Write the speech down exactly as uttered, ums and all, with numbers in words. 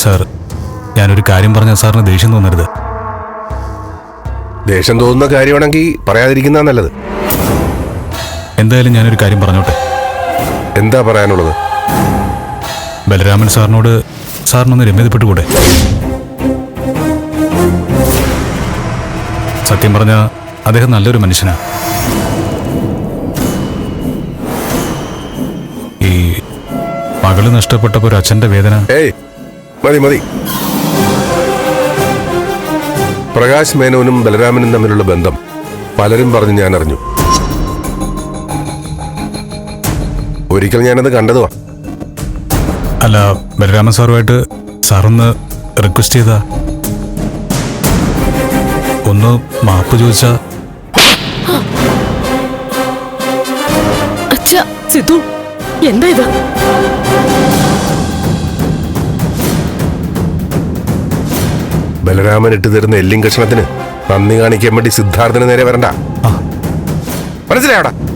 Sir, ഞാനൊരു കാര്യം പറഞ്ഞ സാറിന് ദേഷ്യം തോന്നരുത്. ദേഷ്യം തോന്നുന്ന കാര്യമാണെങ്കിൽ പറയാതിരിക്കുന്ന നല്ലത്. എന്തായാലും ഞാനൊരു കാര്യം പറഞ്ഞോട്ടെ. എന്താ പറയാനുള്ളത്? ബലരാമൻ സാറിനോട് സാറിനൊന്ന് രമ്യതപ്പെട്ടുകൂടെ? സത്യം പറഞ്ഞ അദ്ദേഹം നല്ലൊരു മനുഷ്യനാണ്. ഈ മകള് നഷ്ടപ്പെട്ടപ്പോ ഒരു അച്ഛന്റെ വേദന. ഏയ് മതി മതി. പ്രകാശ് മേനോനും ബലരാമനും തമ്മിലുള്ള ബന്ധം പലരും പറഞ്ഞ് ഞാൻ അറിഞ്ഞു. ഒരിക്കൽ ഞാനത് കണ്ടതുവാ. അല്ല, ബലരാമൻ സാറുമായിട്ട് സാറൊന്ന് റിക്വസ്റ്റ് ചെയ്താ, ഒന്ന് മാപ്പ് ചോദിച്ചാ. അച്ഛാ, സിദ്ധു എന്താ ഇത്? ബലരാമൻ ഇട്ട് തരുന്ന എല്ലിൻ കഷ്ണത്തിന് നന്ദി കാണിക്കാൻ വേണ്ടി സിദ്ധാർത്ഥന് നേരെ വരണ്ട. മനസ്സിലായോടാ?